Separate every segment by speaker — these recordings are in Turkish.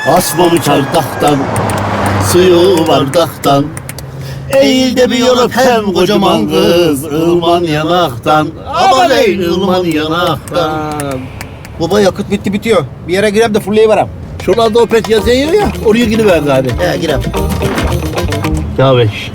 Speaker 1: Asmalı çardaktan, suyu bardaktan. Eğil de bir yol öpem kocaman kız, ılman yanaktan. Aman ey ılman yanaktan.
Speaker 2: Baba yakıt bitti bitiyor. Bir yere girem de fullleyiverem.
Speaker 1: Şuralarda Opet yazıyor ya, oraya gidiver gari.
Speaker 2: Girem.
Speaker 1: Ya beş.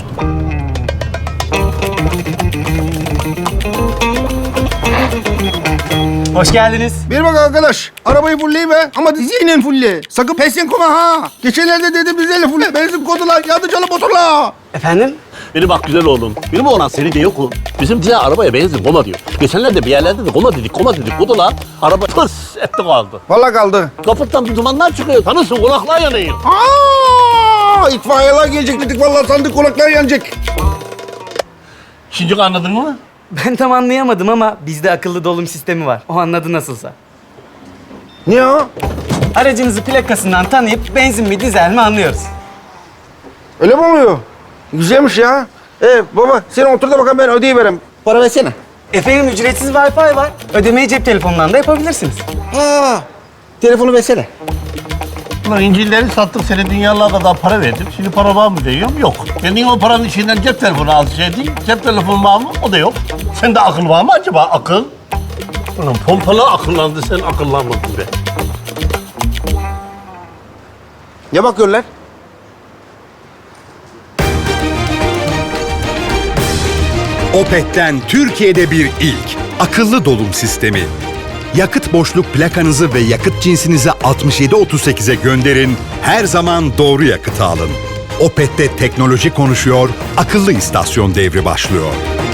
Speaker 3: Hoş geldiniz.
Speaker 4: Bir bak arkadaş, arabayı fullleyiver ama diziyle fulle. Sakın pesin koma ha. Geçenlerde dedim diziyle fulle. Benzin kodular, yandı canım motorla.
Speaker 3: Efendim?
Speaker 1: Beni bak güzel oğlum. Benim oğlan seni de yok o. Bizim diğer arabaya benzin koma diyor. Geçenlerde bir yerlerde de koma dedik. Kodular. Araba tıs etti kaldı.
Speaker 4: Vallahi kaldı.
Speaker 1: Kaputtan bir dumanlar çıkıyor. Tanırsın kulaklar yanıyor.
Speaker 4: İtfaiyeler gelecek dedik. Vallahi sandık kulaklar yanacak.
Speaker 1: Şimdi anladın mı?
Speaker 3: Ben tam anlayamadım ama bizde akıllı dolum sistemi var. O anladı nasılsa.
Speaker 4: Niye o?
Speaker 3: Aracınızı plakasından tanıyıp benzin mi dizel mi anlıyoruz.
Speaker 4: Öyle mi oluyor? Güzelmiş ya. Baba sen otur da bakalım ben ödeyiverem. Para versene.
Speaker 3: Efendim ücretsiz Wi-Fi var. Ödemeyi cep telefonundan da yapabilirsiniz.
Speaker 4: Telefonu versene.
Speaker 1: Ulan İncil'leri sattık, seni dünyalar kadar para verdim. Şimdi para var mı diyorum, yok. Kendin o paranın içinden cep telefonu alsaydın, cep telefonu var mı? O da yok. Sende akıl var mı acaba, akıl? Ulan pompalı akıllandı, sen akıllanmadın be.
Speaker 4: Ne bakıyorlar?
Speaker 5: Opet'ten Türkiye'de bir ilk. Akıllı dolum sistemi. Yakıt boşluk plakanızı ve yakıt cinsinizi 6738'e gönderin. Her zaman doğru yakıtı alın. Opet'te teknoloji konuşuyor, akıllı istasyon devri başlıyor.